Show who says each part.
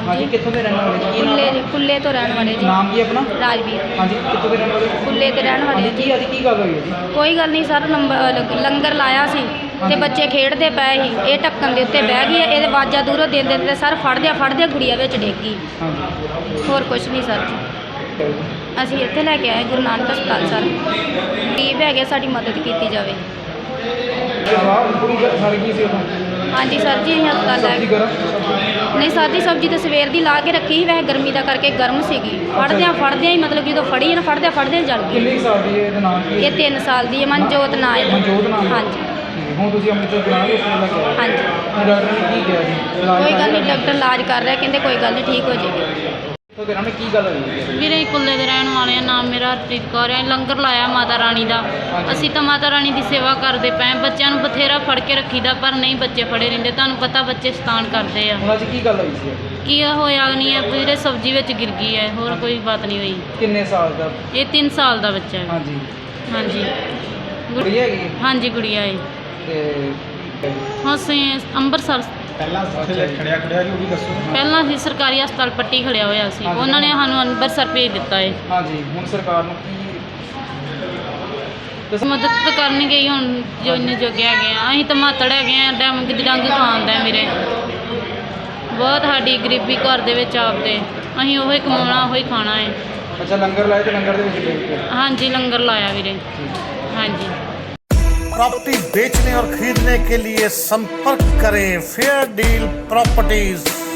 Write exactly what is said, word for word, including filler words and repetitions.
Speaker 1: ਹਾਂਜੀ ਕਿੱਥੋਂ ਦੇ ਰਹਿਣ ਵਾਲੇ ਜੀ?
Speaker 2: ਕੁੱਲੇ ਕੁੱਲੇ ਤੋਂ ਰਹਿਣ ਵਾਲੇ ਜੀ।
Speaker 1: ਨਾਮ ਕੀ ਆਪਣਾ?
Speaker 2: ਰਾਜਵੀਰ।
Speaker 1: ਹਾਂਜੀ ਕਿੱਥੋਂ ਦੇ ਰਹਿਣ ਵਾਲੇ?
Speaker 2: ਕੁੱਲੇ ਤੇ ਰਹਿਣ ਵਾਲੇ
Speaker 1: ਜੀ।
Speaker 2: ਜੀ।
Speaker 1: ਅੱਜ ਕੀ ਗੱਲ ਹੋਈ ਹੈ ਜੀ?
Speaker 2: ਕੋਈ ਗੱਲ ਨਹੀਂ ਸਰ, ਨੰਬਰ ਲੰਗਰ ਲਾਇਆ ਸੀ ਤੇ ਬੱਚੇ ਖੇਡਦੇ ਪਏ ਸੀ, ਇਹ ਢੱਕਣ ਦੇ ਉੱਤੇ ਬਹਿ ਗਈ, ਇਹਦੇ ਆਵਾਜ਼ਾਂ ਦੂਰੋਂ ਦੇ ਦਿੰਦੇ ਤੇ ਸਰ ਫੜਦਿਆਂ ਫੜਦਿਆਂ ਗੁੜੀਆ ਵਿੱਚ ਡਿੱਗ ਗਈ।
Speaker 1: ਹਾਂਜੀ
Speaker 2: ਹੋਰ ਕੁਝ ਨਹੀਂ ਸਰ ਜੀ। ਅਸੀਂ ਇੱਥੇ ਲੈ ਕੇ ਆਏ ਗੁਰੂ ਨਾਨਕ ਹਸਪਤਾਲ ਸਰ, ਗਰੀਬ ਹੈਗੇ, ਸਾਡੀ ਮਦਦ ਕੀਤੀ ਜਾਵੇ।
Speaker 1: ਜਵਾਬ ਪੂਰੀ ਸੜ ਗਈ ਸੀ ਉਹ?
Speaker 2: ਹਾਂਜੀ ਸਰ ਜੀ, ਅਸੀਂ ਹਸਪਤਾਲ ਲੈ
Speaker 1: ਸਬਜ਼ੀ
Speaker 2: ਕੇ
Speaker 1: ਗਰਮ?
Speaker 2: ਨਹੀਂ ਸਰ ਜੀ, ਸਬਜ਼ੀ ਤਾਂ ਸਵੇਰ ਦੀ ਲਾ ਕੇ ਰੱਖੀ ਸੀ, ਵੈਸੇ ਗਰਮੀ ਦਾ ਕਰਕੇ ਗਰਮ ਸੀਗੀ। ਫੜਦਿਆਂ ਫੜਦਿਆਂ ਹੀ ਮਤਲਬ ਜਦੋਂ ਫੜੀ ਨਾ ਫੜਦਿਆਂ ਫੜਦਿਆਂ ਜਲ ਗਈ।
Speaker 1: ਕਿੰਨੇ ਕੁ ਸਾਲ ਦੀ ਹੈ? ਇਹਦਾ ਨਾਮ ਕੀ ਹੈ?
Speaker 2: ਇਹ ਤਿੰਨ ਸਾਲ ਦੀ ਹੈ, ਮਨਜੋਤ ਨਾਂ ਇਹਦਾ।
Speaker 1: ਮਨਜੋਤ ਨਾਮ?
Speaker 2: ਹਾਂਜੀ
Speaker 1: ਠੀਕ ਹੈ। ਹੁਣ ਤੁਸੀਂ ਅੰਮ੍ਰਿਤਸਰ ਬਣਾ ਕੇ ਉਸ ਲੈ ਕੇ ਆਏ?
Speaker 2: ਹਾਂਜੀ।
Speaker 1: ਹੁਣ ਡਾਕਟਰ ਨੇ ਕੀ ਕਿਹਾ ਜੀ? ਇਲਾਜ
Speaker 2: ਕੋਈ ਗੱਲ
Speaker 1: ਕਰ
Speaker 2: ਨਹੀਂ,
Speaker 1: ਰਿਹਾ?
Speaker 2: ਡਾਕਟਰ ਇਲਾਜ ਕਰ ਰਿਹਾ, ਕਹਿੰਦੇ ਕੋਈ ਗੱਲ ਨਹੀਂ, ਠੀਕ ਹੋ ਜਾਏਗੀ।
Speaker 1: ਇੱਥੋਂ ਦੇ ਰਹਿਣ ਕੀ ਗੱਲ ਹੋਈ ਹੈ?
Speaker 3: ਵੀਰੇ ਕੁੱਲੇ ਦੇ ਰਹਿਣ ਵਾਲੇ ਆ, ਨਾਮ ਮੇਰਾ ਹਰਪ੍ਰੀਤ ਕੌਰ ਹੈ। ਲੰਗਰ ਲਾਇਆ ਮਾਤਾ ਰਾਣੀ ਦਾ, ਅਸੀਂ ਤਾਂ ਮਾਤਾ ਰਾਣੀ ਦੀ ਸੇਵਾ ਕਰਦੇ ਪਏ। ਬੱਚਿਆਂ ਨੂੰ ਬਥੇਰਾ ਫੜ ਕੇ ਰੱਖੀਦਾ, ਪਰ ਨਹੀਂ ਬੱਚੇ ਫੜੇ ਰਹਿੰਦੇ। ਤੁਹਾਨੂੰ ਪਤਾ ਬੱਚੇ ਸ਼ੈਤਾਨ ਕਰਦੇ ਆ।
Speaker 1: ਹੁਣ ਅੱਜ ਕੀ ਗੱਲ ਹੋਈ ਸੀ?
Speaker 3: ਕੀ ਹੋਇਆ ਨਹੀਂ ਹੈ ਵੀਰੇ, ਸਬਜ਼ੀ ਵਿੱਚ ਗਿਰ ਗਈ ਹੈ, ਹੋਰ ਕੋਈ ਬਾਤ ਨਹੀਂ ਹੋਈ।
Speaker 1: ਕਿੰਨੇ ਸਾਲ ਦਾ?
Speaker 3: ਇਹ ਤਿੰਨ ਸਾਲ ਦਾ ਬੱਚਾ ਹੈ।
Speaker 1: ਹਾਂਜੀ
Speaker 3: ਹਾਂਜੀ ਗੁ-
Speaker 1: ਕੁੜੀ ਹੈਗੀ ਹੈ?
Speaker 3: ਹਾਂਜੀ ਗੁੜੀਆ ਹੈ।
Speaker 1: ਤੇ
Speaker 3: ਹਾਂ ਅਸੀਂ ਅੰਮ੍ਰਿਤਸਰ
Speaker 1: ਪਹਿਲਾਂ ਖੜਿਆ ਖੜਿਆ ਜੀ ਉਹ ਵੀ ਦੱਸੋ।
Speaker 3: ਪਹਿਲਾਂ ਅਸੀਂ ਸਰਕਾਰੀ ਹਸਪਤਾਲ ਪੱਟੀ ਖੜਿਆ ਹੋਇਆ ਸੀ,
Speaker 1: ਹਾਂਜੀ।
Speaker 3: ਉਹਨਾਂ ਨੇ ਸਾਨੂੰ ਅੰਮ੍ਰਿਤਸਰ ਭੇਜ ਦਿੱਤਾ ਹੈ।
Speaker 1: ਹਾਂਜੀ ਹੁਣ ਸਰਕਾਰ ਨੂੰ ਕੀ ਦੱਸ?
Speaker 3: ਮਦਦ ਤਾਂ ਕਰਨਗੇ ਹੀ ਹੁਣ, ਜੋ ਇੰਨੇ ਜੋਗੇ ਹੈਗੇ ਆ। ਅਸੀਂ ਤਾਂ ਮਾਤੜ ਹੈਗੇ ਆ, ਡੰਗ ਦੀ ਡੰਗ ਖਾਂਦਾ ਮੇਰੇ। ਬਹੁਤ ਸਾਡੀ ਗਰੀਬੀ ਘਰ ਦੇ ਵਿੱਚ ਆਪਦੇ, ਅਸੀਂ ਉਹੀ ਕਮਾਉਣਾ ਉਹੀ ਖਾਣਾ ਹੈ।
Speaker 1: ਅੱਛਾ ਲੰਗਰ ਲਾਏ ਤੇ ਲੰਗਰ ਦੇ ਵਿੱਚ ਡਿੱਗ ਪਿਆ?
Speaker 3: ਹਾਂਜੀ ਲੰਗਰ ਲਾਇਆ ਵੀਰੇ। ਹਾਂਜੀ।
Speaker 4: प्रॉपर्टी बेचने और खरीदने के लिए संपर्क करें फेयर डील प्रॉपर्टीज।